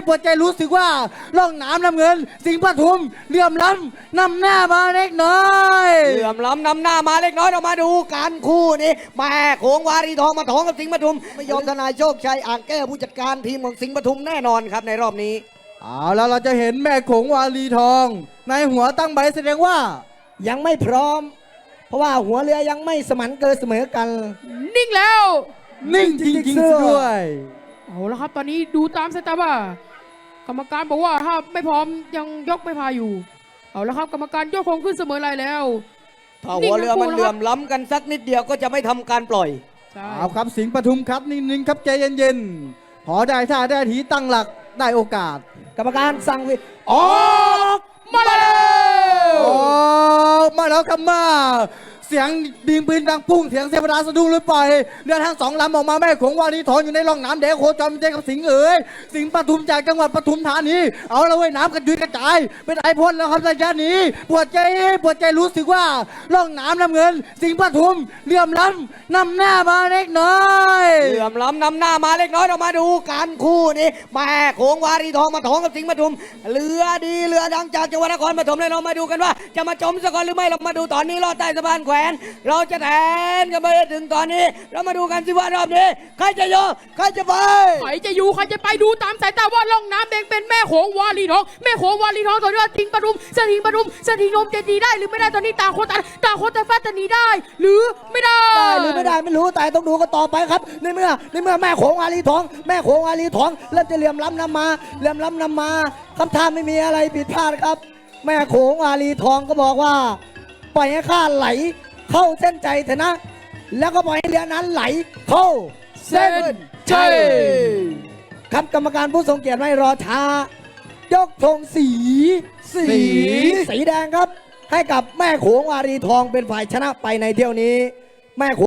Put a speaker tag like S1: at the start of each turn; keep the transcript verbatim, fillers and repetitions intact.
S1: ปวดใจรู้สึกว่าล่องน้ำน้ำเงินสิงห์ปทุมเหลื่อมล้ำนำหน้ามาเล็กน้อย
S2: เหลื่อมล้ำนำหน้ามาเล็กน้อยเรามาดูการคู่นี้แม่โขงวารีทองมาท้องกับสิงห์ปทุมไม่ยอมทนายโชคชัยอ่างแก้วผู้จัดการทีมของสิงห์ปทุมแน่นอนครับในรอบนี้
S1: เอาแล้วเราจะเห็นแม่โขงวารีทองในหัวตั้งใบแสดงว่า
S2: ยังไม่พร้อมเพราะว่าหัวเรือยังไม่สมันเกินเสมอกัน
S3: นิ่งแล้ว
S1: นิ่งจริงๆด้วย
S3: เอาแล้วครับตอนนี้ดูตามสายตาว่ากรรมการบอกว่าถ้าไม่พร้อมยังยกไม่พาอยู่เอาแล้วครับกรรมการยกคงขึ้นเสมอไรแล้ว
S2: ถ้าหัวเรือมันเหลื่อมล้ำกันสักนิดเดียวก็จะไม่ทำการปล่อย
S1: เอาครับสิงห์ปทุมครับนิ่งๆครับใจเย็นๆพอได้ท่าได้ทีตั้งหลักได้โอกาส
S2: กรรมการสั่งวิออก
S3: มาแล้ว
S1: ออกมาแล้วครับมาเสียงดิงปืนดังพุ่งเสียงเสพดาสะดุ้งเลยปล่อยเรือทั้งสองลำออกมาแม่โขงวารีทองอยู่ในร่องน้ำแดงโคจรเจอกับสิงห์เอ๋ยสิงห์ปทุมจากจังหวัดปทุมธานีเอาละเว้ยน้ำกระจุยกระจายเป็นไอพ่นแล้วครับระยะนี้ปวดใจปวดใจรู้สึกว่าร่องน้ำน้ำเงินสิงห์ปทุมเหลื่อมล้ำนำหน้ามาเล็กน้อย
S2: เหลื่อมล้ำนำหน้ามาเล็กน้อยเรามาดูการคู่นี้แม่โขงวารีทองมาท้องกับสิงห์ปทุมเรือดีเรือดังจากจังหวัดนครปฐมเลยเรามาดูกันว่าจะมาจมสะกอนหรือไม่เรามาดูตอนนี้ลอดใต้สะพานแขวนเราจะแทนกันไปถึงตอนนี้เรามาดูกันสิว่ารอบนี้ใครจะโยใครจะไป
S3: ใครจะอยู่ใครจะไปดูตามสายตาว่าล่องน้ำแดงเป็นแม่โขงวารีทองแม่โขงวารีทองตอนนี้สิงห์ปทุมสถิงปทุมสถิงนมจะดีได้หรือไม่ได้ตอนนี้ต่างคนต่างต่างคนต่างฟาดจะหนีได้หรือไม่ได้
S2: ได้หรือไม่ได้ไม่รู้แต่ต้องดูกันต่อไปครับในเมื่อในเมื่อแม่โขงวารีทองแม่โขงวารีทองเริ่มจะเหลื่อมล้ำนำมาเหลื่อมล้ำนำมาคำถามไม่มีอะไรผิดพลาดครับแม่โขงวารีทองก็บอกว่าปล่อยให้ข้าไหลเข้าเส้นใจเถอะนะแล้วก็ปล่อยให้เรือนั้นไหลเข้าเส้นใจครับกรรมการผู้ทรงเกียรติไม่รอช้ายกธงสีสีสีแดงครับให้กับแม่โขงวารีทองเป็นฝ่ายชนะไปในเที่ยวนี้แม่โข